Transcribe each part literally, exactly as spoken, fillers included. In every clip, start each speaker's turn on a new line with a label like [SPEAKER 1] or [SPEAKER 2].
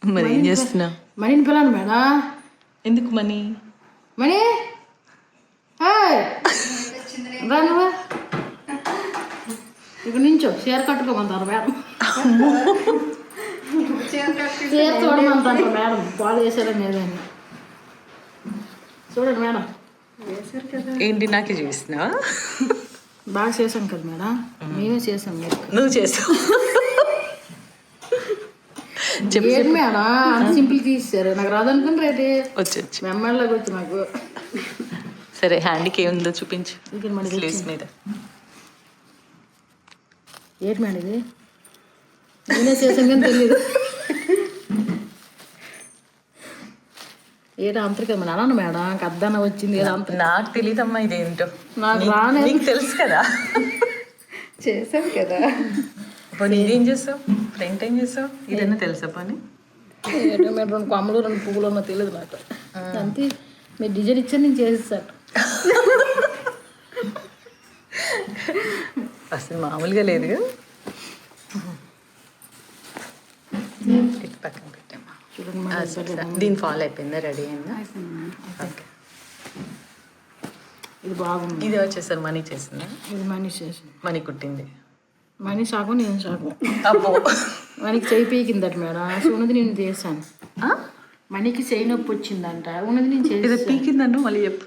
[SPEAKER 1] మరి ఏం చేస్తున్నా?
[SPEAKER 2] మనీని పిల్లని మేడం.
[SPEAKER 1] ఎందుకు మనీ?
[SPEAKER 2] మనీ రాను ఇక్కడ నుంచో చీర కట్టుకోమంటారు మేడం. చీర చూడమంటారు మేడం. పాలు వేసారని ఏదని చూడండి మేడం.
[SPEAKER 1] ఏంటి నాకే చూపిస్తున్నావా?
[SPEAKER 2] బాగా చేసాం కదా మేడం. మేమే చేసాం. మీరు
[SPEAKER 1] నువ్వు చేసావు.
[SPEAKER 2] ఏంటి మేడం అంత సింపుల్ తీసారు. నాకు రాదనుకుని రేటే
[SPEAKER 1] వచ్చి వచ్చి
[SPEAKER 2] మెమ్మల్లోకి వచ్చి నాకు.
[SPEAKER 1] సరే హ్యాండ్కి ఏముందో చూపించు.
[SPEAKER 2] ఇంకా మన
[SPEAKER 1] స్లీవ్స్ మీద
[SPEAKER 2] ఏంటి మేడం ఇది? నేనే చేసాను కానీ తెలియదు. ఏదో అంతరు కదా నాన్న మేడం కద్దన్న వచ్చింది. ఏదో అంత
[SPEAKER 1] నాకు తెలియదమ్మా ఇదేంటో.
[SPEAKER 2] నాకు రానే
[SPEAKER 1] నీకు తెలుసు కదా.
[SPEAKER 2] చేసాను కదా.
[SPEAKER 1] పోనీ ఇదేం చేస్తావు? ఫ్రంట్ ఏం చేస్తావు? ఇదన్నా తెలుసా పని?
[SPEAKER 2] ఏంటో మీరు రెండు కొమ్మలు రెండు పువ్వులు ఉన్నా తెలియదు నాకు. అంతే మీరు డిజైన్ ఇచ్చారు నేను చేసేసాను.
[SPEAKER 1] అసలు మామూలుగా లేదు కదా. ఇటు పక్కన పెట్టామా?
[SPEAKER 2] చూడండి
[SPEAKER 1] దీని ఫాలో అయిపోయిందా? రెడీ అయిందా? ఓకే.
[SPEAKER 2] ఇది బాగుంది.
[SPEAKER 1] ఇది వచ్చేసరి మనీ చేసిందా?
[SPEAKER 2] ఇది మనీ చేసింది.
[SPEAKER 1] మనీ కుట్టింది.
[SPEAKER 2] మనీ సాగు నేను సాగు.
[SPEAKER 1] అబ్బో
[SPEAKER 2] మనకి చేయి పీకిందట మేడం. సో ఉన్నది నేను చేశాను. మనీకి చేయి నొప్పి వచ్చిందంట. ఉన్నది నేను
[SPEAKER 1] ఇది
[SPEAKER 2] చేసి
[SPEAKER 1] పీకిందన్ను మళ్ళీ చెప్పు.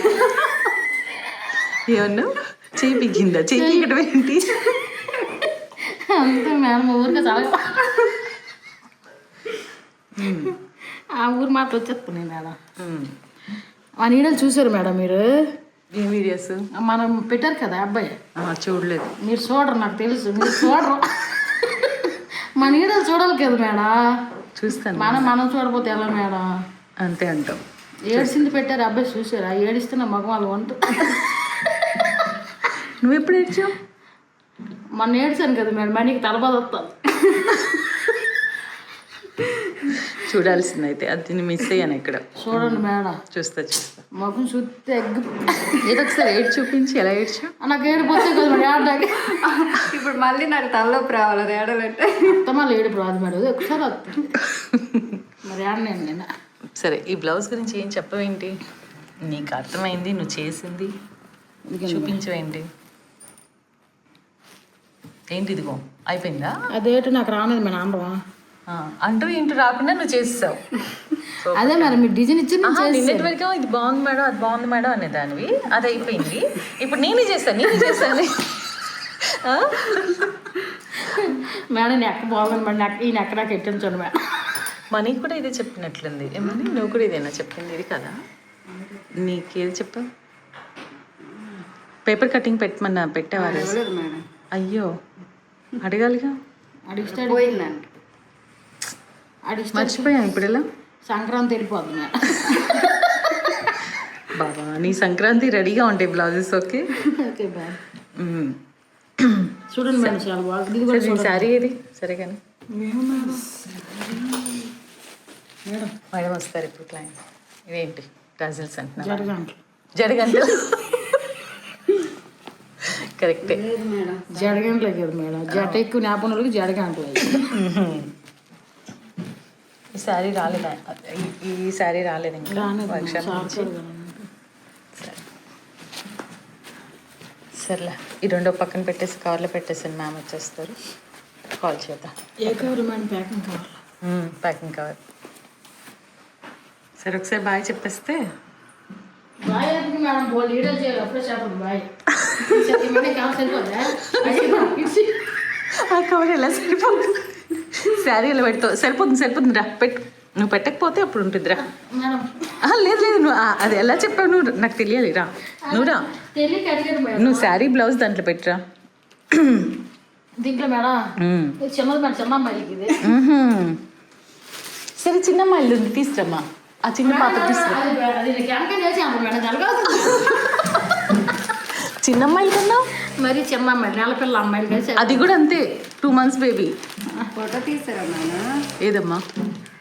[SPEAKER 1] ఏమన్నా చేయి పీకిందా? చేయి పీకడం ఏంటి?
[SPEAKER 2] అంతే మేడం ఊరికే చాలా ఆ ఊరు మాట వచ్చేస్తున్నాయి మేడం. ఆ నీడలు చూసారు మేడం మీరు?
[SPEAKER 1] ఏ వీడియోస్
[SPEAKER 2] మనం పెట్టారు కదా అబ్బాయి.
[SPEAKER 1] చూడలేదు.
[SPEAKER 2] మీరు చూడరు నాకు తెలుసు. మీరు చూడరు. మన నీడలు చూడాలి కదా మేడం.
[SPEAKER 1] చూస్తాను.
[SPEAKER 2] మనం మనం చూడపోతే ఎలా మేడం?
[SPEAKER 1] అంతే అంటాం.
[SPEAKER 2] ఏడిసింది పెట్టారు అబ్బాయి చూసారా? ఏడిస్తే నా మగం వాళ్ళు వంట.
[SPEAKER 1] నువ్వు ఎప్పుడు ఏడ్చావు?
[SPEAKER 2] మొన్న ఏడ్చాను కదా మేడం. మనీకి తలబాధ వస్తుంది.
[SPEAKER 1] చూడాల్సింది అయితే అది మిస్ అయ్యాను ఇక్కడ.
[SPEAKER 2] చూడండి మేడం.
[SPEAKER 1] చూస్తా చూస్తా.
[SPEAKER 2] మగం చూస్తే ఎగ్గు.
[SPEAKER 1] ఏదో ఒకసారి ఏడు చూపించి ఎలా ఏడ్చా?
[SPEAKER 2] నాకు ఏడిపోతే కదా మేడం ఏడాకి.
[SPEAKER 3] ఇప్పుడు మళ్ళీ నాకు తలలోపు రావాలి అది ఏడాలంటే.
[SPEAKER 2] మొత్తం మళ్ళీ ఏడుపు రాదు మేడం. ఒకసారి వస్తుంది మరి ఏడనండి నేను.
[SPEAKER 1] సరే ఈ బ్లౌజ్ గురించి ఏం చెప్పవేంటి? నీకు అర్థమైంది, నువ్వు చేసింది చూపించవేంటి? ఏంటి ఇదిగో అయిపోయిందా?
[SPEAKER 2] అదేంటి నాకు రానేది మేడం అందమా
[SPEAKER 1] అంటూ ఇంటూ రాకుండా నువ్వు చేస్తావు.
[SPEAKER 2] అదే మేడం మీరు డిజైన్ ఇచ్చి
[SPEAKER 1] నిన్నటి వరకు ఇది బాగుంది మేడం అది బాగుంది మేడం అనేదానివి. అది అయిపోయింది. ఇప్పుడు నేనే చేస్తాను నేనే చేస్తాను.
[SPEAKER 2] మేడం నెక్క బాగుంది మేడం. నెక్క ఈ నెక్క నాకు ఎట్టించండి మేడం.
[SPEAKER 1] మనకి కూడా ఇదే చెప్పినట్లుంది. ఏమని నువ్వు కూడా ఇదేనా చెప్పింది? ఇది కదా నీకేది చెప్పావు? పేపర్ కటింగ్ పెట్టమన్నా పెట్టేవారు.
[SPEAKER 3] మేడం
[SPEAKER 1] అయ్యో అడగాలిగా.
[SPEAKER 2] అడిగిస్తే
[SPEAKER 3] పోయిందండి.
[SPEAKER 2] అడిగిస్తే
[SPEAKER 1] మర్చిపోయాను. ఇప్పుడు ఎలా?
[SPEAKER 2] సంక్రాంతి వెళ్ళిపోద్ది మేడం.
[SPEAKER 1] బాబా నీ సంక్రాంతి రెడీగా ఉంటాయి బ్లౌజెస్. Okay
[SPEAKER 2] okay bye. చూడండి మేడం చాలా బాగుంది.
[SPEAKER 1] శారీ ఏది? సరే కానీ
[SPEAKER 2] మేడం
[SPEAKER 1] మేడం వస్తారు ఇప్పుడు క్లయింట్. ఇవేంటి టజిల్స్ అంటున్నా?
[SPEAKER 2] జడగంటలు.
[SPEAKER 1] జడగంటలు కరెక్టే.
[SPEAKER 2] జడగంటలే కదా మేడం. జట ఎక్కువ జ్ఞాపకం వాళ్ళకి జడగంటలు.
[SPEAKER 1] ఈ శారీ రాలేదా? ఈ శారీ రాలేదు ఇంకా వర్క్షాప్ నుంచి. సరే సర్లే ఈ రెండో పక్కన పెట్టేసి కవర్లో పెట్టేసాను. మ్యామ్ వచ్చేస్తారు. కాల్ చేద్దాం.
[SPEAKER 2] ఏ cover madam? Packing cover.
[SPEAKER 1] Packing cover. సరే ఒకసారి బాయ్ చెప్పేస్తే.
[SPEAKER 2] Bye madam. బోల్ లీడర్ చేయాలి అప్పుడే చెప్పండి బాయ్.
[SPEAKER 1] ఆ కవర్ ఎలా సరిపోతుంది? శారీ ఎలా పెడతావు? సరిపోతుంది సరిపోతుంది రా పెట్టు. నువ్వు పెట్టకపోతే అప్పుడు ఉంటుంది రా. లేదు లేదు నువ్వు అది ఎలా చెప్పావు? నువ్వు నాకు తెలియాలి రా. నువ్వు రా. నువ్వు శారీ బ్లౌజ్ దాంట్లో పెట్టురా.
[SPEAKER 2] దీంట్లో మేడం చిన్నది మేడం. చిన్న అమ్మాయికి ఇది.
[SPEAKER 1] సరే చిన్న అమ్మాయిలు ఉంది తీసుకురమ్మా. ఆ చిన్న పాత్ర తీసుకురా. చిన్న అమ్మాయిలు కన్నా
[SPEAKER 2] మరి చిన్న అమ్మాయి నెల పిల్ల అమ్మాయిలు.
[SPEAKER 1] అది కూడా అంతే. Two months baby.
[SPEAKER 3] ఫోటో తీసారా నాన్న?
[SPEAKER 1] ఏదమ్మా?